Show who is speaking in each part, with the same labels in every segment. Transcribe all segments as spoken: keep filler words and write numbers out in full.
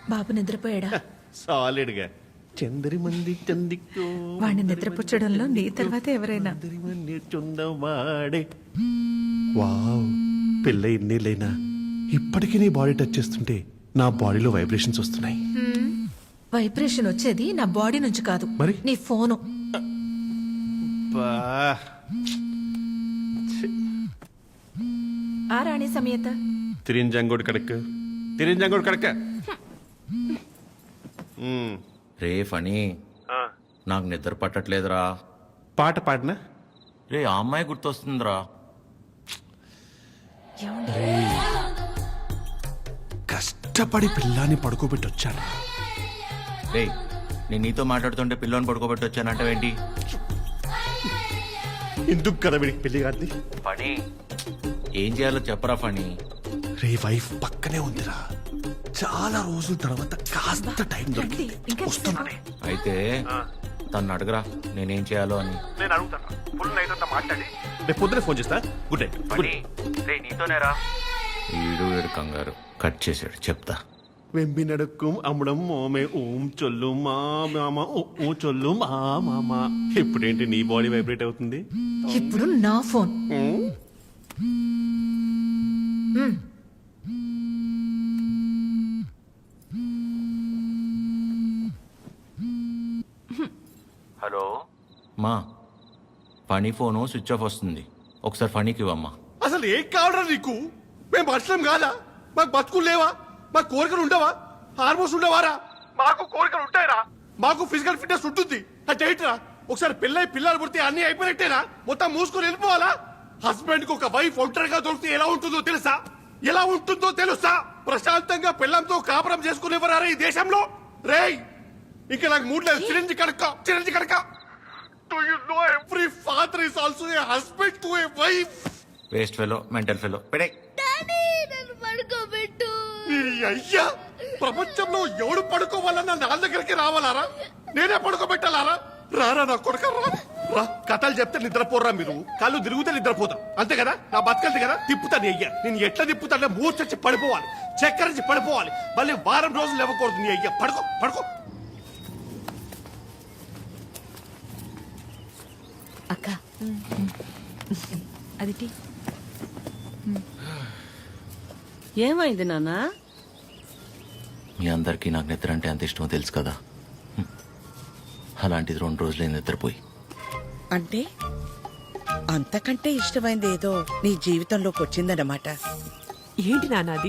Speaker 1: బాబు నిద్రపోయాడా?
Speaker 2: Solid గా చందరి మంది చందికో
Speaker 1: వాడిని నిద్రపుచ్చడంలో నీ తర్వాత ఎవరైనా?
Speaker 2: చందవాడే వావ్, పిల్ల ఇన్నేళ్ళైనా ఇప్పటికీ నీ బాడీ టచ్ చేస్తుంటే నా బాడీలో వైబ్రేషన్స్ వస్తున్నాయి.
Speaker 1: వైబ్రేషన్ వచ్చేది నా బాడీ నుంచి కాదు,
Speaker 2: మరి?
Speaker 1: నీ ఫోను.
Speaker 2: బా.
Speaker 1: ఆ రాణి సమేత
Speaker 2: తిరింజంగోడు కడక తిరింజంగోడు కడక
Speaker 3: రే ఫనీ, నాకు నిద్ర పట్టట్లేదురా.
Speaker 2: పాట పాడినా
Speaker 3: రే ఆ అమ్మాయి గుర్తొస్తుందిరా.
Speaker 2: కష్టపడి పిల్లాన్ని పడుకోబెట్టి వచ్చాను.
Speaker 3: రే నేను నీతో మాట్లాడుతుంటే పిల్లని పడుకోబెట్టి వచ్చానంటావేంటి?
Speaker 2: ఎందుకు కదా వీడికి పెళ్లి కాదు?
Speaker 3: ఫనీ ఏం చేయాలో చెప్పరా ఫనీ.
Speaker 2: రే వైఫ్ పక్కనే ఉందిరా, చాలా రోజుల తర్వాత కాస్త టైం దొరికింది, వస్తున్నానే.
Speaker 3: అయితే తను అడగరా నేనేం చేయాలో అని.
Speaker 2: నేను అడుగుతాను, ఫుల్ నైట్ అంతా మాట్లాడి రేపు పొద్దునే ఫోన్ చేస్తా. Good night.
Speaker 3: ఫనీ రే నీతోనేరా. ఈడు వీడు కంగారు కట్ చేశాడు, చెప్తా.
Speaker 2: వెంబి నడుక్కుం అమ్మడం మోమే ఓం చొల్లు మా మామ ఓ చొల్లు మా మామ. ఇప్పుడేంటి నీ బాడీ వైబ్రేట్ అవుతుంది?
Speaker 1: ఇప్పుడు నా ఫోన్.
Speaker 3: హలో మా, ఫనీ ఫోను స్విచ్ ఆఫ్ వస్తుంది, ఒకసారి ఫనీకి ఇవ్వమ్మా.
Speaker 2: అసలు ఏం కావడం నీకు? మేము మనుషులం కాదా? మాకు బతుకులు లేవా? మాకు కోరికలు ఉండవా? హార్మోన్స్ ఉండవారా? మాకు కోరికలు ఉంటాయిరా, మాకు ఫిజికల్ ఫిట్నెస్ ఉంటుంది. అంటే ఒకసారి పిల్లై పిల్లలు పుడితే అన్ని అయిపోయినట్టేనా? మొత్తం మూసుకొని వెళ్ళిపోవాలా? హస్బెండ్ కు ఒక వైఫ్ ఒంటరిగా దొరికితే ఎలా ఉంటుందో తెలుసా? ఎలా ఉంటుందో తెలుసా? ప్రశాంతంగా పిల్లంతో కాపురం చేసుకునేవారా ఈ దేశంలో? రేయ్ ఇంకా నాకు మూడు లేదు. చిరంజి కడక చిరంజి కడక do you know every father is also a husband to a wife.
Speaker 3: Waste fellow, mental fellow. పెడే
Speaker 4: పడుకోబెట్టు.
Speaker 2: అయ్యా, ప్రపంచంలో ఎవడు పడుకోవాలన్నా నా దగ్గరికి రావాలారా? నేనే పడుకోబెట్టాలారా? రారా నా కొడుక రా రా. కథలు చెప్తే నిద్రపోరా మీరు, కళ్ళు తిరుగుతే నిద్రపోతాం అంతే కదా? నా బతకలిది కదా, తిప్పుతాను. అయ్యా నేను ఎట్లా తిప్పుతానే మూర్చొచ్చి పడిపోవాలి, చక్కరించి పడిపోవాలి, మళ్ళీ వారం రోజులు ఇవ్వకూడదు. నీ అయ్యా పడుకో పడుకో.
Speaker 1: అక్క అది టీ.
Speaker 5: ఏమైంది నాన్నా?
Speaker 3: మీ అందరికీ నాకు నిద్ర అంటే అంత ఇష్టమో తెలుసు కదా. హ్మ్. అలాంటిది రెండు రోజులే నిద్రపోయి.
Speaker 5: అంటే అంతకంటే ఇష్టమైంది ఏదో నీ జీవితంలోకి వచ్చిందన్నమాట.
Speaker 6: ఏంటి నాన్నది?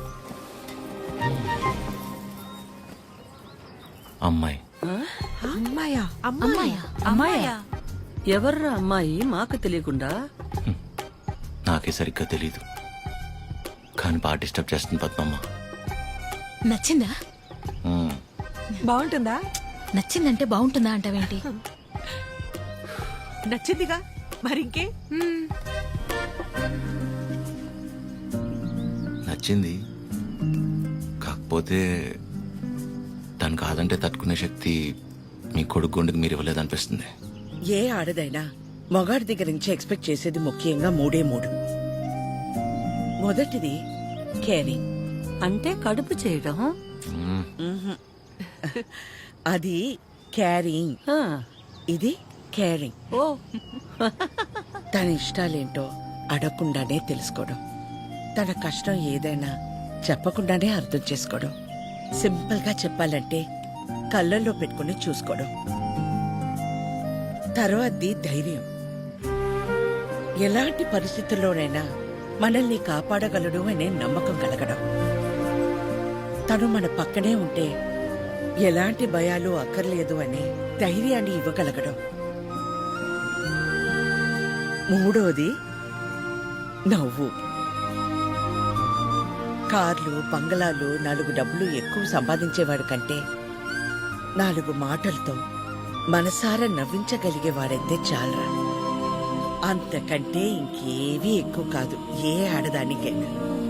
Speaker 3: అమ్మాయి.
Speaker 6: అమ్మాయా?
Speaker 1: అమ్మాయా? అమ్మాయా?
Speaker 5: ఎవర్రా అమ్మాయి మాకు తెలియకుండా?
Speaker 3: నాకే సరిగ్గా తెలీదు, కానీ బాగా డిస్టర్బ్ చేస్తుంది పద్మమ్మ.
Speaker 1: నచ్చిందా?
Speaker 3: హ్మ్.
Speaker 6: బాగుంటుందా?
Speaker 1: నచ్చిందంటే బాగుంటుందా అంటావేంటి?
Speaker 6: నచ్చిందిగా మరింకే.
Speaker 3: నచ్చింది, కాకపోతే తను కాదంటే తట్టుకునే శక్తి మీ కొడుకు గుండెకి మీరు ఇవ్వలేదనిపిస్తుంది.
Speaker 5: ఏ ఆడదైనా మొగాడి దగ్గర నుంచి ఎక్స్పెక్ట్ చేసేది ముఖ్యంగా మూడే మూడు. మొదటిది కేరింగ్, అంటే కడుపు చేయడం.
Speaker 3: మ్మ్.
Speaker 5: అది క్యారింగ్, ఇది కేరింగ్. ఓ తన ఇష్టాలేంటో అడగకుండానే తెలుసుకోవడం, తన కష్టం ఏదైనా చెప్పకుండానే అర్థం చేసుకోవడం, సింపుల్ గా చెప్పాలంటే కళ్ళల్లో పెట్టుకుని చూసుకోవడం. తర్వాతది ధైర్యం, ఎలాంటి పరిస్థితుల్లోనైనా మనల్ని కాపాడగలడు అనే నమ్మకం కలగడం. తను మన పక్కనే ఉంటే ఎలాంటి భయాలు అక్కర్లేదు అనే ధైర్యాన్ని ఇవ్వగలగడం. మూడోది నవ్వు. కార్లు, బంగళాలు, నాలుగు డబ్బులు ఎక్కువ సంపాదించేవాడు కంటే నాలుగు మాటలతో మనసారా నవ్వించగలిగేవాడైతే చాలరా. అంతకంటే ఇంకేవీ ఎక్కువ కాదు ఏ ఆడదానికైనా.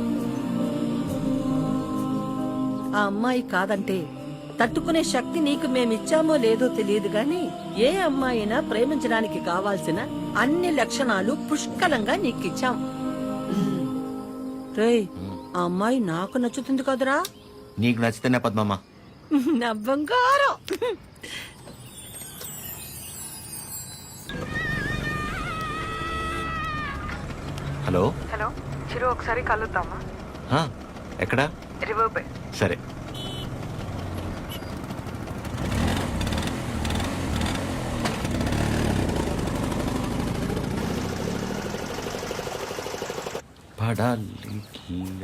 Speaker 5: ఆ అమ్మాయి కాదంటే తట్టుకునే శక్తి నీకు మేమిచ్చామో లేదో తెలియదు గాని ఏ అమ్మాయినా ప్రేమించడానికి కావాల్సిన అన్ని లక్షణాలు పుష్కలంగా నీకిచ్చాం. రేయ్, ఆ అమ్మాయి నాకు నచ్చుతుంది కదరా.
Speaker 3: నీకు నచ్చితేనే పద్మమ్మ.
Speaker 6: నా బంగారం.
Speaker 3: హలో.
Speaker 4: హలో చిరు, ఒకసారి కలుద్దామా?
Speaker 3: హా, ఎక్కడా?
Speaker 4: River bay.
Speaker 3: సరే. పడాలి.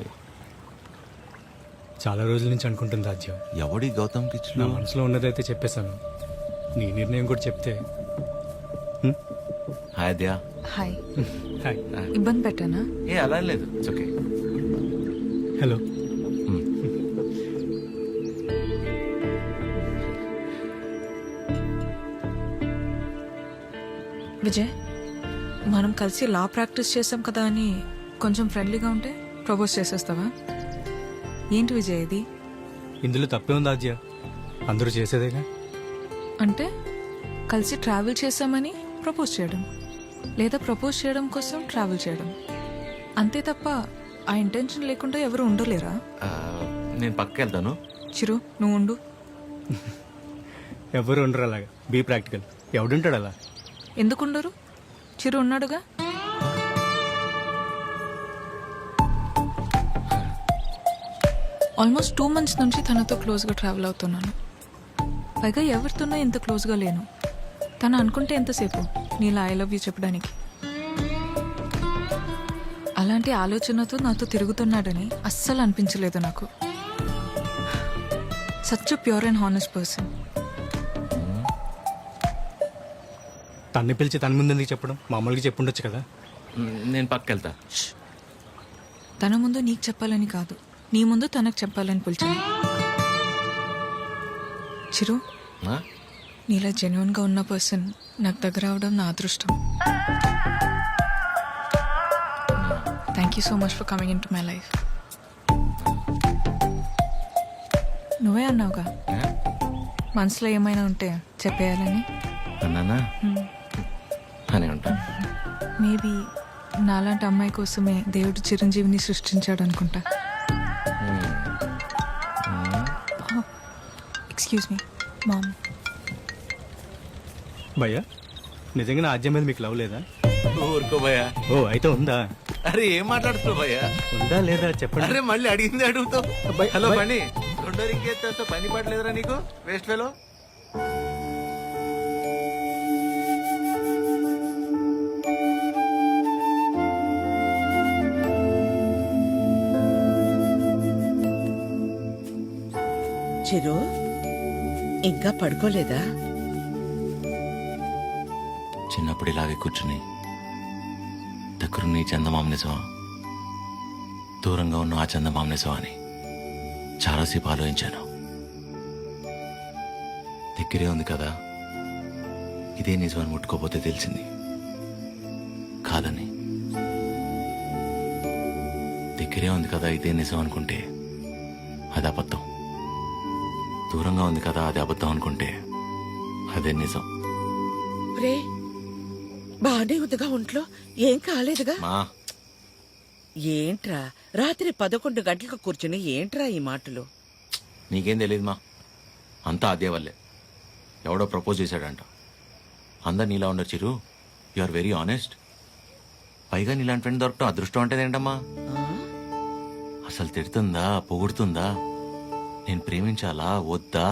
Speaker 7: చాలా రోజుల నుంచి అనుకుంటుంది రాజ్యం.
Speaker 3: ఎవడి గౌతమ్
Speaker 7: నా
Speaker 3: కిచ్లు?
Speaker 7: మనసులో ఉన్నదైతే చెప్పేశాను. నీ నిర్ణయం కూడా చెప్తే.
Speaker 3: హాయ్ అద్యా.
Speaker 4: హాయ్.
Speaker 7: హాయ్.
Speaker 4: ఇబ్బంది పెట్టానా?
Speaker 3: ఏ అలా ఏం లేదు, ఇట్స్ ఓకే.
Speaker 7: హలో.
Speaker 4: విజయ్, మనం కలిసి లా ప్రాక్టీస్ చేసాం కదా అని కొంచెం ఫ్రెండ్లీగా ఉంటే ప్రపోజ్ చేసేస్తావా? ఏంటి విజయ్ ఇది?
Speaker 7: ఇందులో తప్పే ఉంది రాజ్య, అందరూ చేసేదేగా.
Speaker 4: అంటే కలిసి ట్రావెల్ చేసామని ప్రపోజ్ చేయడం, లేదా ప్రపోజ్ చేయడం కోసం ట్రావెల్ చేయడం, అంతే తప్ప ఆ ఇంటెన్షన్ లేకుండా ఎవరు ఉండలేరా?
Speaker 3: ఆ, నేను పక్కకి వెళ్తాను.
Speaker 4: చిరు, నువ్వు ఉండు.
Speaker 7: ఎవరు ఉండరు అలాగా. Be practical. ఎవడుంటాడు అలా?
Speaker 4: ఎందుకుండరు? చిరు ఉన్నాడుగా. ఆల్మోస్ట్ టూ మంత్స్ నుంచి తనతో క్లోజ్గా ట్రావెల్ అవుతున్నాను. పైగా ఎవరితోనో ఇంత క్లోజ్గా లేను. తను అనుకుంటే ఎంతసేపు నీలా ఐ లవ్ యూ చెప్పడానికి. అలాంటి ఆలోచనతో నాతో తిరుగుతున్నాడని అస్సలు అనిపించలేదు నాకు. Such pure and honest person.
Speaker 7: తన్ని పిలిచి తన ముందు ఎందుకు చెప్పడం? మామూలుగా చెప్పుండొచ్చు కదా.
Speaker 3: మ్, నేను పక్కకి వెళ్తా.
Speaker 4: తన ముందు నీకు చెప్పాలని కాదు, నీ ముందు తనకు చెప్పాలని పిలిచాను. చిరు,
Speaker 3: ఆ?
Speaker 4: నీలా జెన్యున్గా ఉన్న పర్సన్ నాకు దగ్గర అవడం నా అదృష్టం. Thank you so much for coming in to my life. నువ్వే అన్నావుగా
Speaker 3: ఆ?
Speaker 4: మనసులో ఏమైనా ఉంటే చెప్పేయాలని.
Speaker 3: అన్నానా? అని ఉంటాను.
Speaker 4: మేబీ నాలాంటి అమ్మాయి కోసమే దేవుడు చిరంజీవిని సృష్టించాడు అనుకుంటా. Excuse me ma'am.
Speaker 7: భయ్యా, నిజంగా నా ఆజ్యం మీద మీకు లవ్ లేదా?
Speaker 3: ఊరుకో భయ్యా.
Speaker 7: ఓ, అయితే ఉందా?
Speaker 3: అరే ఏం మాట్లాడుతున్నావు భయ్యా?
Speaker 7: ఉందా లేదా చెప్పండి.
Speaker 3: అరే మళ్ళీ అడిగింది అడుగుతావు.
Speaker 7: అబ్బాయి,
Speaker 3: హలో
Speaker 7: అబ్బాయి.
Speaker 3: పని రెండో ఇంకేస్తా పని పడలేదురా నీకు? Waste fellow.
Speaker 5: చిరు, ఇంకా పడుకోలేదా?
Speaker 3: చిన్నప్పుడు ఇలాగే కూర్చుని దగ్గరున్న ఈ చందమామ నిజమా, దూరంగా ఉన్న ఆ చందమామ నిజమా అని చాలాసేపు ఆలోచించాను. దగ్గరే ఉంది కదా, ఇదే నిజమని ముట్టుకోపోతే తెలిసింది కాదని. దగ్గరే ఉంది కదా ఇదే నిజం అనుకుంటే అది అబద్ధం. దూరంగా ఉంది కదా అది అబద్ధం అనుకుంటే అదే నిజం.
Speaker 5: రే, బానే ఉందిగా ఒంట్లో? ఏం కాలేదుగా?
Speaker 3: మా
Speaker 5: ఏంట్రా రాత్రి పదకొండు గంటలకు కూర్చుని ఏంట్రా ఈ మాటలు?
Speaker 3: నీకేం తెలియదు మా, అంతా అదే వల్లే. ఎవడో ప్రపోజ్ చేశాడంట. అందరు నీలా ఉండరు Chiru, you are very honest. పైగా నీలాంటి ఫ్రెండ్ దొరకటం అదృష్టం అంటే ఏంటమ్మా?
Speaker 5: ఆ?
Speaker 3: అసలు తిడుతుందా పొగుడుతుందా, నేను ప్రేమించాలా వద్దా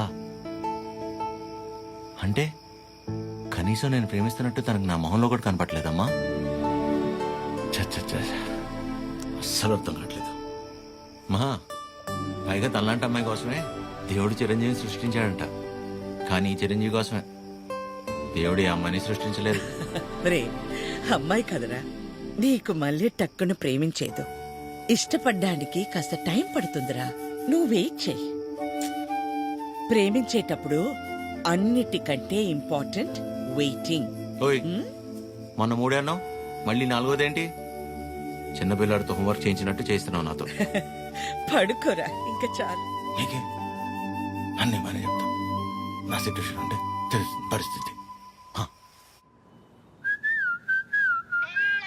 Speaker 3: అంటే కనీసం నేను ప్రేమిస్తున్నట్టు తనకు నా మొహంలో కూడా కనపట్లేదమ్మా. చచ్చ అస్సలు అర్థం కావట్లేదు మహా. పైగా తనలాంటి అమ్మాయి కోసమే దేవుడు చిరంజీవిని సృష్టించాడంట. కానీ ఈ చిరంజీవి కోసమే దేవుడు ఈ అమ్మాయిని సృష్టించలేదు.
Speaker 5: రే, అమ్మాయి కదరా, నీకు మళ్ళీ టక్కును ప్రేమించేదు. ఇష్టపడ్డానికి కాస్త టైం పడుతుందిరా, నువ్వు వెయిట్ చెయ్యి. ప్రేమించేటప్పుడు అన్నిటికంటే ఇంపార్టెంట్ వెయిటింగ్.
Speaker 3: ఓయ్, మొన్న మూడే అన్నావు, మళ్ళీ నాలుగోదేంటి? చిన్నపిల్లాడితో హోంవర్క్ చేయించినట్టు చేస్తున్నావు నాతో.
Speaker 5: పడుకోరా, ఇంకా చాలు.
Speaker 3: నీకే అన్నీ మనే చెప్తా. నా సిచ్యువేషన్ అంటే తెలుసు పరిస్థితి. హ.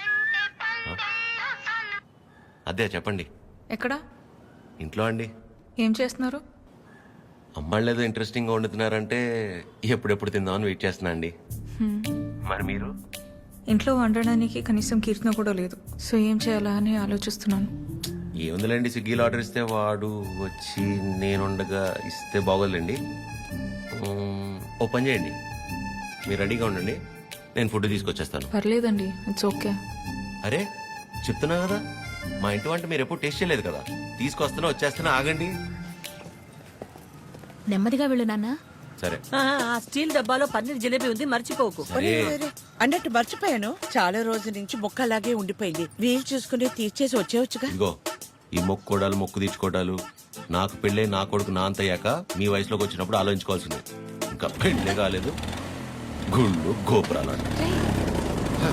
Speaker 3: అదే చెప్పండి.
Speaker 4: ఎక్కడా?
Speaker 3: ఇంట్లో అండి.
Speaker 4: ఏం చేస్తున్నారు?
Speaker 3: అమ్మాళ్ళు ఏదో ఇంట్రెస్టింగ్గా వండుతున్నారంటే ఎప్పుడెప్పుడు తిందామని వెయిట్ చేస్తున్నా అండి. మరి మీరు?
Speaker 4: ఇంట్లో వండడానికి కనీసం కీర్తన కూడా లేదు. సో ఏం చేయాలా అని ఆలోచిస్తున్నాను.
Speaker 3: ఏముందిలేండి, స్విగ్గీలో ఆర్డర్ ఇస్తే వాడు వచ్చి నేను ఉండగా ఇస్తే బాగోదులేండి. మ్మ్, ఓ పని చేయండి, మీరు రెడీగా ఉండండి, నేను ఫుడ్ తీసుకొచ్చేస్తాను.
Speaker 4: పర్లేదండి, ఇట్స్ ఓకే.
Speaker 3: అరే చెప్తున్నా కదా, మా ఇంటి వంట మీరు ఎప్పుడు టేస్ట్ చేయలేదు కదా, తీసుకొస్తున్నా వచ్చేస్తున్నా, ఆగండి.
Speaker 6: నెమ్మదిగా వెళ్ళు నాన్న.
Speaker 3: సరే
Speaker 6: ఆ, ఆ స్టీల్ డబ్బాలో పన్నీర్ జిలేబీ ఉంది, మర్చిపోకు.
Speaker 3: సరే
Speaker 5: అన్నట్టు మర్చిపోయాను, చాలా రోజుల నుంచి మొక్క అలాగే ఉండిపోయింది. వీలు చూసుకుని తీర్చేసి వచ్చేవచ్చుగా.
Speaker 3: ఇదిగో ఈ మొక్కుకోడాలు మొక్కు తీర్చుకోవడాలు నాకు పెళ్ళే నా కొడుకు నా అంతయ్యాక మీ వయసులోకి వచ్చినప్పుడు ఆలోచించుకోవాల్సిందే. ఇంకా పెళ్ళే కాలేదు, గుళ్ళు గోపురాలు అంట.
Speaker 4: రేయ్,